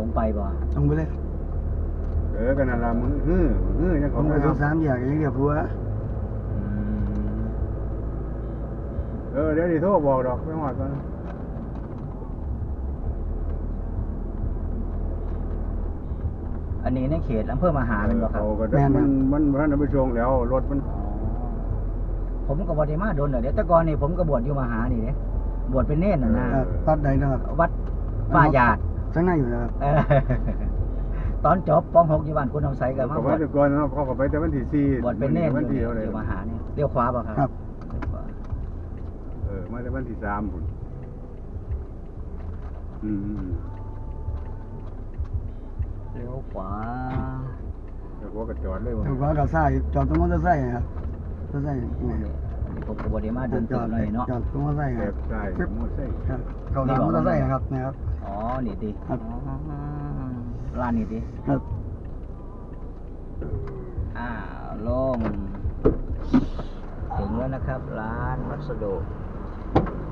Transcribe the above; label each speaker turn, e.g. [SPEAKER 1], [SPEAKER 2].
[SPEAKER 1] รงไปบ่
[SPEAKER 2] ตรงไปเลย
[SPEAKER 3] กันนั่นละมึงยัง
[SPEAKER 2] ต
[SPEAKER 3] ข
[SPEAKER 2] ร
[SPEAKER 3] อง
[SPEAKER 2] ไป
[SPEAKER 3] ไม่
[SPEAKER 2] ถึ
[SPEAKER 3] เอา
[SPEAKER 2] ง3 แยกยังเรียบหัว
[SPEAKER 3] เดี๋ยวดิโทรบอกดอกไม่หอดกัน
[SPEAKER 1] อันนี้ในเขตอำเภอมหาเป็นบ่ครับ
[SPEAKER 3] มันไปชงแล้วรถมัน
[SPEAKER 1] ผมก็บ่ได้มาโดนเดี๋ยวแต่ก่อนนี่ผมก็บวชอยู่มหานี่เด้บวชเป็นเนรน่ะนะ
[SPEAKER 2] วัดใดนะครับ
[SPEAKER 1] วัดป่าหยาด
[SPEAKER 2] ข้างในอยู่นะครับ
[SPEAKER 1] ตอนจบป .6 อยู่บ้านคุณทำไสก็มาบวช
[SPEAKER 3] แต่ก่อนเนาะเขาก็ไปแต่วันที่4
[SPEAKER 1] บวชเป็นเนร
[SPEAKER 3] วัน
[SPEAKER 1] อ
[SPEAKER 3] ที่
[SPEAKER 1] ยู่
[SPEAKER 3] อะไร
[SPEAKER 1] มหานี่เลี้ยวขวาบ่ครับ
[SPEAKER 2] ครับ
[SPEAKER 1] เลี้ยวขวา
[SPEAKER 3] มาแต่วันที่3พุ่น
[SPEAKER 1] เลี้ยวขวา
[SPEAKER 3] แล้วหัวก็จอดเลยว่ะ
[SPEAKER 2] ถูกว่ากับซ้ายจอดตรงมอเตอร์ไซค์ครับมอเตอร์ไซค์นี่
[SPEAKER 1] ผมก็บ่ได้มาโดน
[SPEAKER 2] จ
[SPEAKER 1] ตื่
[SPEAKER 2] อด
[SPEAKER 1] นเลยเนาะ
[SPEAKER 2] จอดตรงมอเตอร์ไซค์ค
[SPEAKER 3] แบ
[SPEAKER 2] รับบ
[SPEAKER 3] ใต้มอไซค์
[SPEAKER 2] ครับเขาทำมอเตอร์ไซค์ครับนะครับ
[SPEAKER 1] อ๋อนี่ดิ
[SPEAKER 2] ครับ
[SPEAKER 1] ร้านนี้ดิ
[SPEAKER 2] ครับ
[SPEAKER 1] ลงถึงแล้วนะครับ ร้านวัสดุ